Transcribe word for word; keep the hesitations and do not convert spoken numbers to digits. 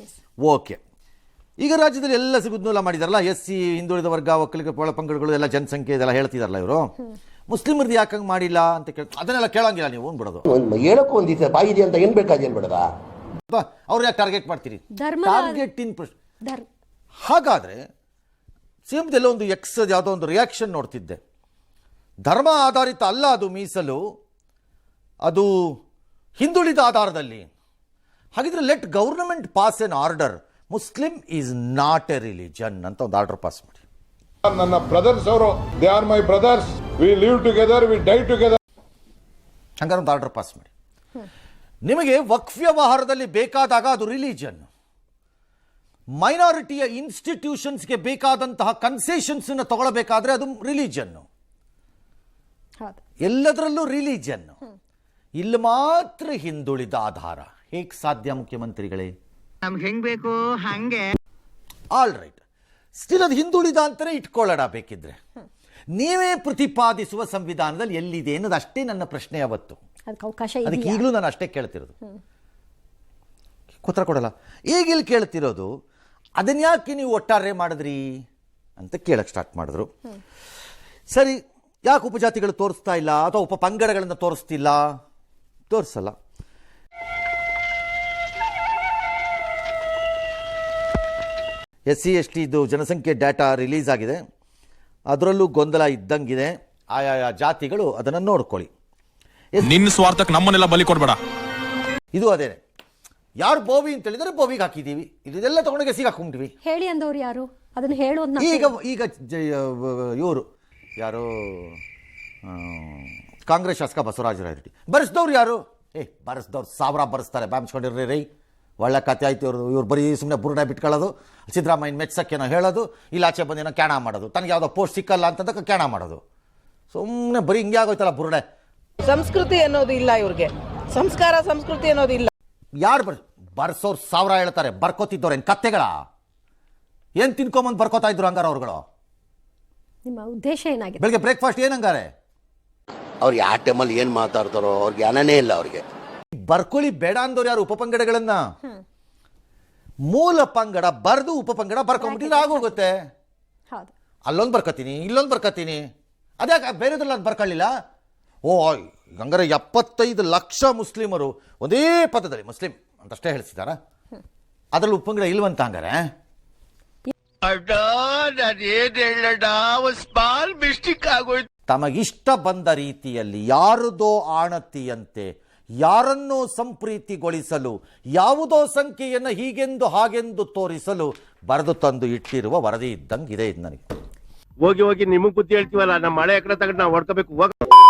Okay, ಈಗ ರಾಜ್ಯದಲ್ಲಿ ಎಲ್ಲ ಸಿಗುದ್ನೂಲ ಮಾಡಿದಾರಲ್ಲ, ಎಸ್ ಸಿ, ಹಿಂದುಳಿದ ವರ್ಗ, ಒಕ್ಕಲಿಗ ಒಳಪಂಗಡಗಳು ಎಲ್ಲ ಜನಸಂಖ್ಯೆ ಇದೆಲ್ಲ ಹೇಳ್ತಿದಾರಲ್ಲ ಇವರು, ಮುಸ್ಲಿಮರದ್ದು ಯಾಕಂಗೆ ಮಾಡಿಲ್ಲ ಅಂತ ಕೇಳ, ಅದನ್ನೆಲ್ಲ ಕೇಳಂಗಿಲ್ಲ ನೀವು ಬಿಡೋದು. ಹೇಳಕ್ಕೂ ಒಂದಿದೆ ಬಾಯಿದೆ ಅಂತ ಏನ್ ಬೇಕಾದ ಏನ್ ಬಿಡದ, ಅವ್ರು ಯಾಕೆ ಟಾರ್ಗೆಟ್ ಮಾಡ್ತೀರಿ? ಟಾರ್ಗೆಟ್ ಇನ್ ಹಾಗಾದ್ರೆ ಸಿಎಂದೆಲ್ಲ ಒಂದು ಎಕ್ಸ್ ಯಾವುದೋ ಒಂದು ರಿಯಾಕ್ಷನ್ ನೋಡ್ತಿದ್ದೆ, ಧರ್ಮ ಆಧಾರಿತ ಅಲ್ಲ ಅದು ಮೀಸಲು, ಅದು ಹಿಂದುಳಿದ ಆಧಾರದಲ್ಲಿ. ಹಾಗಿದ್ರೆ let government pass an order, Muslim is not a religion ಅಂತ ಒಂದು ಆರ್ಡರ್ ಪಾಸ್ ಮಾಡಿ. ನನ್ನ ಬ್ರದರ್ಸ್ ಅವರು, they are my brothers, we live together, we die together. ಹಂಗಾರೆ ಒಂದು ಆರ್ಡರ್ ಪಾಸ್ ಮಾಡಿ. ನಿಮಗೆ ವಕ್ಫ್ ವ್ಯವಹಾರದಲ್ಲಿ ಬೇಕಾದಾಗ ಅದು ರಿಲಿಜನ್, ಮೈನಾರಿಟಿಯ ಇನ್ಸ್ಟಿಟ್ಯೂಷನ್ಸ್ಗೆ ಬೇಕಾದಂತಹ ಕನ್ಸೆಷನ್ಸ್ ತಗೊಳ್ಬೇಕಾದ್ರೆ ಅದು ರಿಲಿಜನ್. ಎಲ್ಲದರಲ್ಲೂ ರಿಲಿಜನ್, ಇಲ್ಲಿ ಮಾತ್ರ ಹಿಂದುಳಿದ ಆಧಾರ. ಹೇಗೆ ಸಾಧ್ಯ ಮುಖ್ಯಮಂತ್ರಿಗಳೇ? ನಮ್ಗೆ ಹೆಂಗ್ ಬೇಕು ಹಂಗೆ. ಆಲ್ ರೈಟ್, ಸ್ಟಿಲ್ ಅದು ಹಿಂದುಳಿದ ಅಂತಾನೆ ಇಟ್ಕೊಳ್ಳೋಣ ಬೇಕಿದ್ರೆ. ನೀವೇ ಪ್ರತಿಪಾದಿಸುವ ಸಂವಿಧಾನದಲ್ಲಿ ಎಲ್ಲಿದೆ ಅನ್ನೋದು ಅಷ್ಟೇ ನನ್ನ ಪ್ರಶ್ನೆ ಅವತ್ತು. ಅದಕ್ಕೆ ಈಗಲೂ ನಾನು ಅಷ್ಟೇ ಕೇಳ್ತಿರೋದು, ಉತ್ತರ ಕೊಡಲ್ಲ. ಈಗ ಇಲ್ಲಿ ಕೇಳ್ತಿರೋದು ಅದನ್ಯಾಕೆ ನೀವು ಒಟ್ಟಾರೆ ಮಾಡಿದ್ರಿ ಅಂತ ಕೇಳಕ್ಕೆ ಸ್ಟಾರ್ಟ್ ಮಾಡಿದ್ರು. ಸರಿ, ಯಾಕೆ ಉಪಜಾತಿಗಳು ತೋರಿಸ್ತಾ ಇಲ್ಲ ಅಥವಾ ಉಪ ಪಂಗಡಗಳನ್ನು ತೋರಿಸ್ತಿಲ್ಲ? ತೋರಿಸಲ್ಲ. ಎಸ್ ಸಿ ಎಸ್ ಟಿದು ಜನಸಂಖ್ಯೆ ಡಾಟಾ ರಿಲೀಸ್ ಆಗಿದೆ, ಅದರಲ್ಲೂ ಗೊಂದಲ ಇದ್ದಂಗಿದೆ. ಆಯಾ ಜಾತಿಗಳು ಅದನ್ನು ನೋಡ್ಕೊಳ್ಳಿ. ನಿನ್ನ ಸ್ವಾರ್ಥಕ್ಕೆ ನಮ್ಮನ್ನೆಲ್ಲ ಬಲಿ ಕೊಡಬೇಡ. ಇದು ಅದೇನೆ, ಯಾರು ಬೋವಿ ಅಂತ ಹೇಳಿದರೆ ಬೋವಿಗೆ ಹಾಕಿದ್ದೀವಿ, ಇದೆಲ್ಲ ತಗೊಂಡೋಗಿ ಸಿಗ ಹಾಕೊಂಡ್ವಿ. ಹೇಳಿ ಅಂದವ್ರು ಯಾರು ಅದನ್ನು ಹೇಳೋದು? ಈಗ ಈಗ ಇವರು ಯಾರು, ಕಾಂಗ್ರೆಸ್ ಶಾಸಕ ಬಸವರಾಜ ರಾಯರೆಡ್ಡಿ ಬರೆಸಿದವ್ರು ಯಾರು? ಏ ಬರೆಸಿದವ್ರು ಸಾವಿರ ಬರೆಸ್ತಾರೆ, ಬ್ಯಾಮ್ಸ್ಕೊಂಡಿರ್ರಿ ರೈ, ಒಳ್ಳೆ ಕತೆ ಆಯ್ತು. ಇವರು ಇವ್ರು ಬರೀ ಸುಮ್ಮನೆ ಬುರುಡೆ ಬಿಟ್ಕೊಳ್ಳೋದು, ಸಿದ್ದರಾಮಯ್ಯನ ಮೆಚ್ಚಕ್ಕೇನೋ ಹೇಳೋದು, ಇಲ್ಲ ಆಚೆ ಬಂದೇನೋ ಕ್ಯಾಣ ಮಾಡೋದು, ತನಗೆ ಯಾವುದೋ ಪೋಸ್ಟ್ ಸಿಕ್ಕಲ್ಲ ಅಂತಂದಕ್ಕೆ ಕ್ಯಾಣ ಮಾಡೋದು. ಸುಮ್ಮನೆ ಬರೀ ಹಿಂಗೆ ಆಗೋಯ್ತಲ್ಲ ಬುರುಡೆ. ಸಂಸ್ಕೃತಿ ಅನ್ನೋದು ಇಲ್ಲ ಇವ್ರಿಗೆ, ಸಂಸ್ಕಾರ ಸಂಸ್ಕೃತಿ ಅನ್ನೋದು ಇಲ್ಲ. ಯಾರು ಬರ್ ಬರ್ಸೋರು ಸಾವಿರ ಹೇಳ್ತಾರೆ, ಬರ್ಕೋತಿದ್ದವ್ರು ಏನು ಕತ್ತೆಗಳ? ಏನು ತಿನ್ಕೊಂಬಂದು ಬರ್ಕೋತಾ ಇದ್ರು ಹಂಗಾರ ಅವ್ರುಗಳು? ನಿಮ್ಮ ಉದ್ದೇಶ ಏನಾಗಿದೆ? ಬೆಳಗ್ಗೆ ಬ್ರೇಕ್ಫಾಸ್ಟ್ ಏನಂಗಾರೆ? ಅವ್ರು ಯಾವ ಟೈಮಲ್ಲಿ ಏನ್ ಮಾತಾಡ್ತಾರೋ ಅವ್ರಿಗೆ ಜ್ಞಾನನೇ ಇಲ್ಲ ಅವ್ರಿಗೆ. ಬರ್ಕೊಳ್ಳಿ ಬೇಡ ಅಂದವ್ರು ಯಾರು? ಉಪಪಂಗಡಗಳನ್ನ ಮೂಲ ಪಂಗಡ ಬರ್ದು ಉಪಪಂಗಡ ಬರ್ಕೊಂಡ್ಬಿಟ್ಟಿದ್ರೆ ಆಗೋಗುತ್ತೆ. ಅಲ್ಲೊಂದು ಬರ್ಕೋತೀನಿ, ಇಲ್ಲೊಂದು ಬರ್ಕೋತೀನಿ, ಅದ್ಯಾಕೆ ಬೇರೆದ್ರಲ್ಲಿ ಅದು ಬರ್ಕೊಳ್ಳಿಲ್ಲ? ಓ ಹಂಗಾರೆ ಎಪ್ಪತ್ತೈದು ಲಕ್ಷ ಮುಸ್ಲಿಮರು ಒಂದೇ ಪದದಲ್ಲಿ ಮುಸ್ಲಿಂ ಅಂತಷ್ಟೇ ಹೇಳಿಸಿದಾರ, ಅದ್ರಲ್ಲಿ ಉಪಪಂಗಡ ಇಲ್ವಂತ ಹಂಗಾರೆ? ತಮಗಿಷ್ಟ ಬಂದ ರೀತಿಯಲ್ಲಿ ಯಾರದೋ ಆಣತಿಯಂತೆ ಯಾರನ್ನೋ ಸಂಪ್ರೀತಿಗೊಳಿಸಲು, ಯಾವುದೋ ಸಂಖ್ಯೆಯನ್ನು ಹೀಗೆಂದು ಹಾಗೆಂದು ತೋರಿಸಲು ಬರೆದು ತಂದು ಇಟ್ಟಿರುವ ವರದಿ ಇದ್ದಂಗಿದೆ ಇದು ನನಗೆ. ಹೋಗಿ ಹೋಗಿ ನಿಮಗ್ ಬುದ್ಧಿ ಹೇಳ್ತೀವಲ್ಲ, ನಮ್ಮ ಮಳೆ ಎಕರೆ ತಗೊಂಡು ನಾವು ಹೊಡ್ಕೋಬೇಕು.